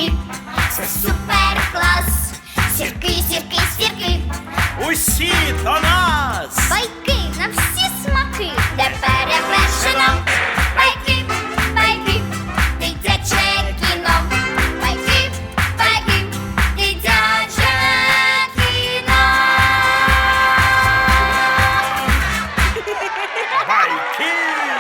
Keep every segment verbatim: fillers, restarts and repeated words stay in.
сірки, це супер клас. Сірки, сірки, сірки, Усі до нас! байки на всі смаки, де перевершено. Байки, байки, дитяче кіно. Байки, байки, дитяче кіно. Байки!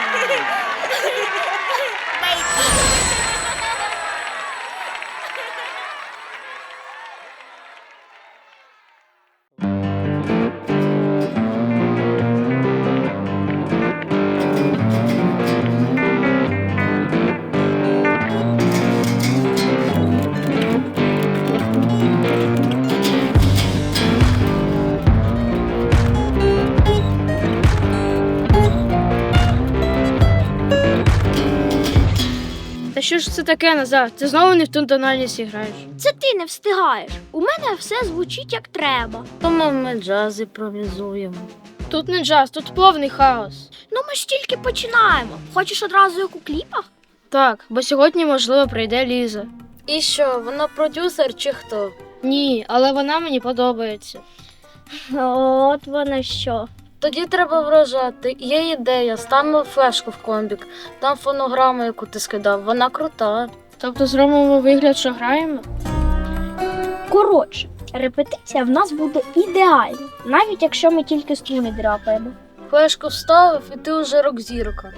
Та що ж це таке, Назар? Ти знову не в ту тональність граєш. Це ти не встигаєш. У мене все звучить як треба. Тому ми джаз імпровізуємо. Тут не джаз, тут повний хаос. Ну ми ж тільки починаємо. Хочеш одразу як у кліпах? Так, бо сьогодні, можливо, прийде Ліза. І що, вона продюсер чи хто? Ні, але вона мені подобається. От вона що. Тоді треба вражати. Є ідея, ставимо флешку в комбік. Там фонограма, яку ти скидав, вона крута. Тобто зробимо вигляд, що граємо? Коротше, репетиція в нас буде ідеальна, навіть якщо ми тільки струни драпаємо. Флешку вставив, і ти вже рок-зірка.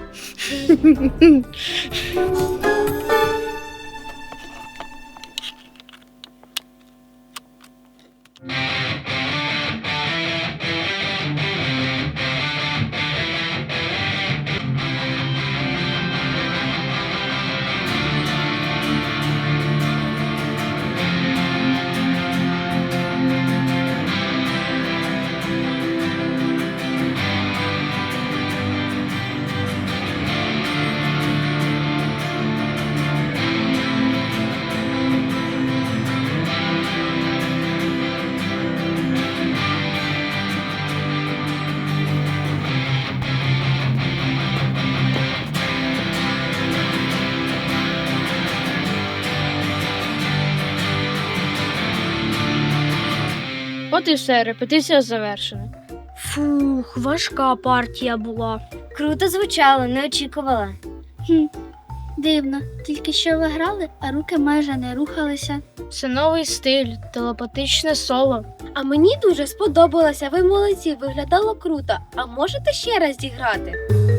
От і все, репетиція завершена. Фух, важка партія була. Круто звучало, не очікувала. Хм, дивно, тільки що ви грали, а руки майже не рухалися. Це новий стиль, телепатичне соло. А мені дуже сподобалося, ви молодці, виглядало круто. А можете ще раз зіграти?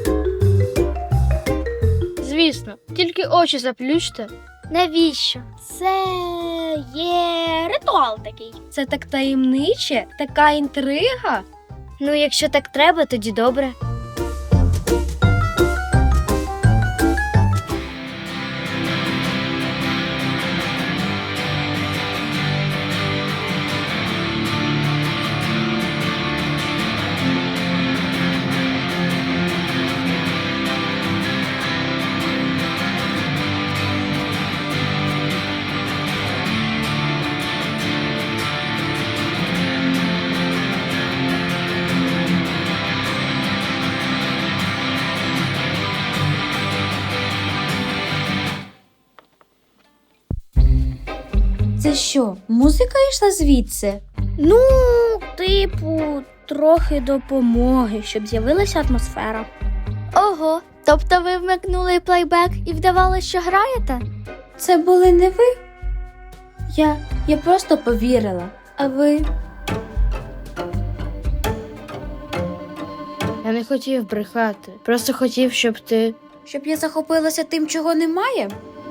Звісно, тільки очі заплющте. Навіщо? Це є ритуал такий. Це так таємниче, така інтрига. Ну, якщо так треба, тоді добре. Це що, музика йшла звідси? Ну, типу, трохи допомоги, щоб з'явилася атмосфера. Ого, тобто ви вмикнули плейбек і вдавали, що граєте? Це були не ви? Я, я просто повірила. А ви? Я не хотів брехати, просто хотів, щоб ти... Щоб я захопилася тим, чого немає?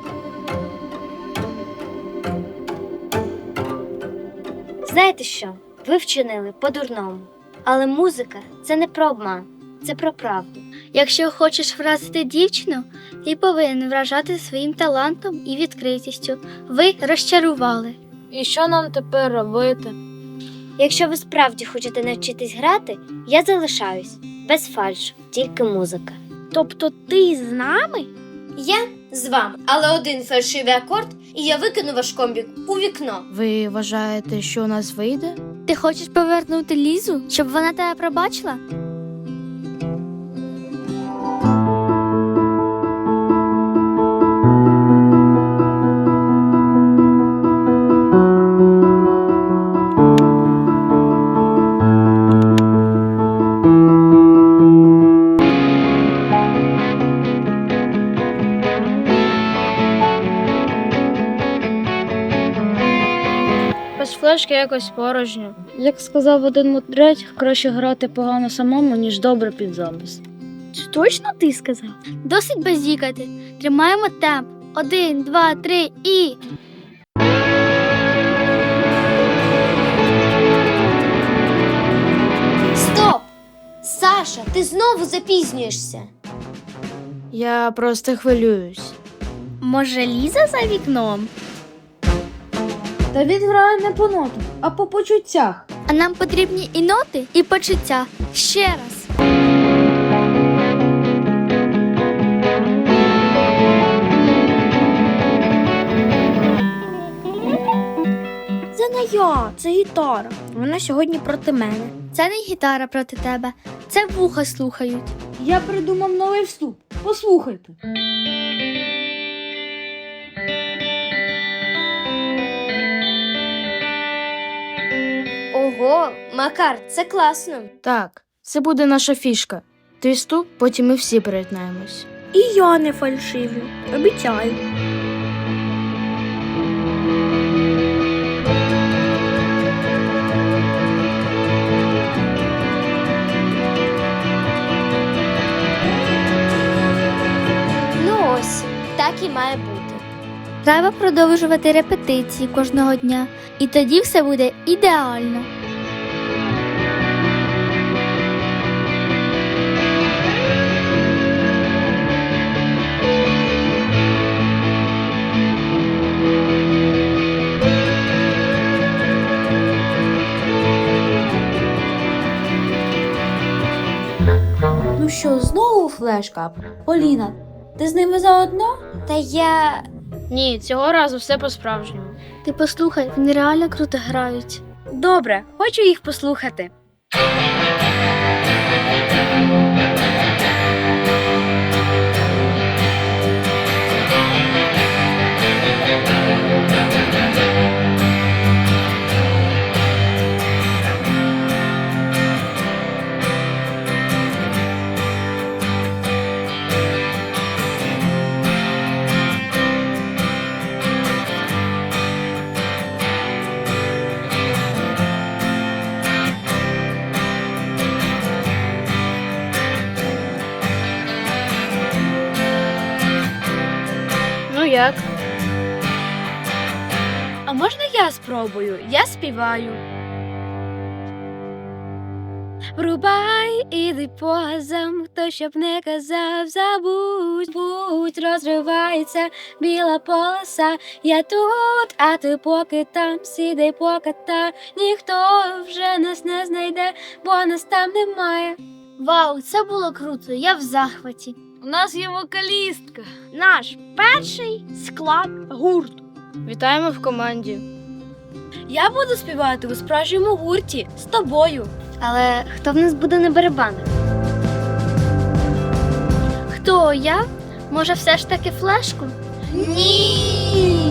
Знаєте що? Ви вчинили по-дурному. Але музика – це не про обман, це про правду. Якщо хочеш вразити дівчину, ти повинен вражати своїм талантом і відкритістю. Ви розчарували. І що нам тепер робити? Якщо ви справді хочете навчитись грати, я залишаюсь. Без фальшу, тільки музика. Тобто ти з нами? Я з вами, але один фальшивий акорд, і я викину ваш комбік у вікно. Ви вважаєте, що у нас вийде? Ти хочеш повернути Лізу, щоб вона тебе пробачила? флешки якось порожньо. Як сказав один мудрець, краще грати погано самому, ніж добре під запис. Це точно ти сказав? Досить базікати. Тримаємо темп. Один, два, три і. Стоп! Саша, ти знову запізнюєшся. Я просто хвилююсь. Може, Ліза за вікном? Та він грає не по нотах, а по почуттях. А нам потрібні і ноти, і почуття. Ще раз. Це не я, це гітара. Вона сьогодні проти мене. Це не гітара проти тебе, це вуха слухають. Я придумав новий вступ. Послухайте. Ого, Макар, це класно. Так, це буде наша фішка. Твій вступ, потім ми всі перетнаємось. І я не фальшивлю, обіцяю. Ну ось, так і має бути. Треба продовжувати репетиції кожного дня, і тоді все буде ідеально. Ну що, знову флешка? Поліна, ти з ними заодно? Та я. Ні, цього разу все по-справжньому. Ти послухай, вони реально круто грають. Добре, хочу їх послухати. Ну як? А можна я спробую? Я співаю. Врубай, іди позам, хто щоб не казав, забудь, будь, розривається біла полоса. Я тут, а ти поки там, сідай поката. Ніхто вже нас не знайде, бо нас там немає. Вау, це було круто, я в захваті. У нас є вокалістка. Наш перший склад гурту. Вітаємо в команді. Я буду співати у справжньому гурті з тобою. Але хто в нас буде на барабанах? Хто я? Може, все ж таки флешку? Ні!